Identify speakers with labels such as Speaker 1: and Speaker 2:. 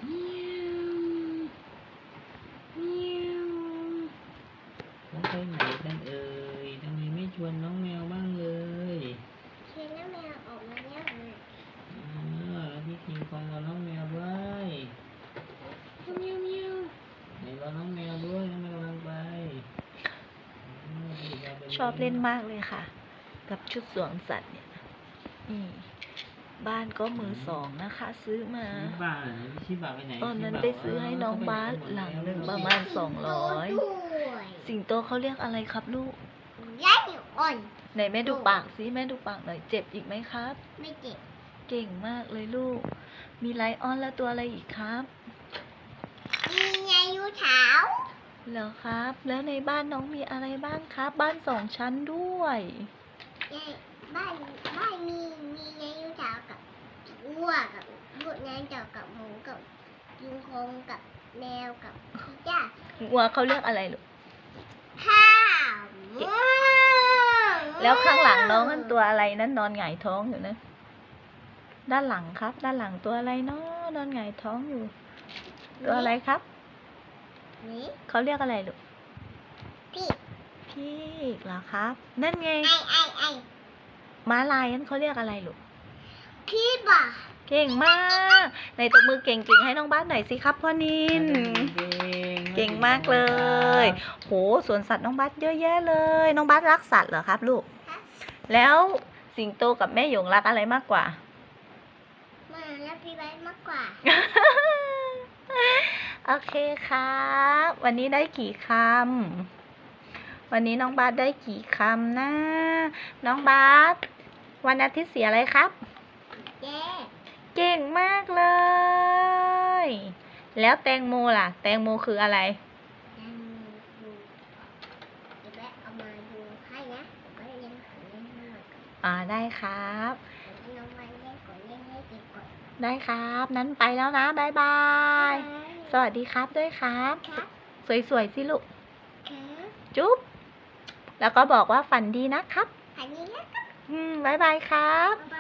Speaker 1: เมียวเมียวแล้วไปไหนกันเอ่ยทำไมไม่ชวนน้องแมวบ้างเลย
Speaker 2: ชวนน้องแมวออกมาแล้ว
Speaker 1: แล้วพี่คิงคองรอน้องแมวด้วยเมียวเมียวไหนรอน้องแมวด้วยน้องแมวกำลังไป
Speaker 3: ชอบเล่นมากเลยค่ะ กับชุดสวมสัตว์เนี่ยบ้านก็มือสองนะคะ ซื้อมาตอนนั้นไปซื้อให้น้องบาสหลังหนึ่งประมาณ200สิงโตเขาเรียกอะไรครับลูก
Speaker 2: ย่าอ่อน
Speaker 3: ไหนแม่ดูปากสิแม่ดูปากหน่อยเจ็บอีกไหมครับ
Speaker 2: ไม่เจ็บ
Speaker 3: เก่งมากเลยลูก มีไลออนแล้วตัวอะไรอีกครับ
Speaker 2: มีไงยูเท้า
Speaker 3: เหรอครับ แล้วในบ้านน้องมีอะไรบ้างครับ บ้าน2 ชั้นด้วย
Speaker 2: บ้านมีไงยูเท้ากับวัวกับลูกนางเจ้ากับหมูกับยุงคงกับแมวกับจ้า
Speaker 3: วัวเขาเรียกอะไรลูก
Speaker 2: ข้าว
Speaker 3: แล้วข้างหลังน้องนั่นตัวอะไรนั่นนอนหงายท้องอยู่นะด้านหลังครับ ด้านหลังตัวอะไรเนาะนอนหงายท้องอยู่ ตัวอะไรครับ
Speaker 2: นี่
Speaker 3: เขาเรียกอะไรลูก
Speaker 2: พี่
Speaker 3: เหรอครับ นั่นไง
Speaker 2: ไอ
Speaker 3: ม้าลายนั่นเขาเรียกอะไรลูก
Speaker 2: พี่บ่า
Speaker 3: เก่งมากในตบมือเก่งๆให้น้องบ้านหน่อยสิครับพ่อนินเก่งมากเลยโหสวนสัตว์น้องบ้านเยอะแยะเลยน้องบ้านรักสัตว์เหรอครับลูกแล้วสิงโตกับแม่หยงรักอะไรมากกว่า
Speaker 2: มาแล้วพี่ไว้มากกว่า
Speaker 3: โอเคครับวันนี้ได้กี่คำวันนี้น้องบาสได้กี่คำนะน้องบาสวันอาทิตย์เสียอะไรครับเก่งมากเลยแล้วแตงโมล่ะแตงโมคืออะไร
Speaker 2: เอามาดูให้นะก็เล่นของเล่นให้หน่อย
Speaker 3: ได้ครับ
Speaker 2: น้องมาเล่นก่อนเล่นให้ดีก่อน
Speaker 3: ได้ครับนั้นไปแล้วนะบ๊ายบายสวัสดีครับด้วยครับสวยๆสิลูกจุ๊บแล้วก็บอกว่าฝันดีนะครับ
Speaker 2: ฝันดีนะครับ
Speaker 3: บ๊ายบายครับ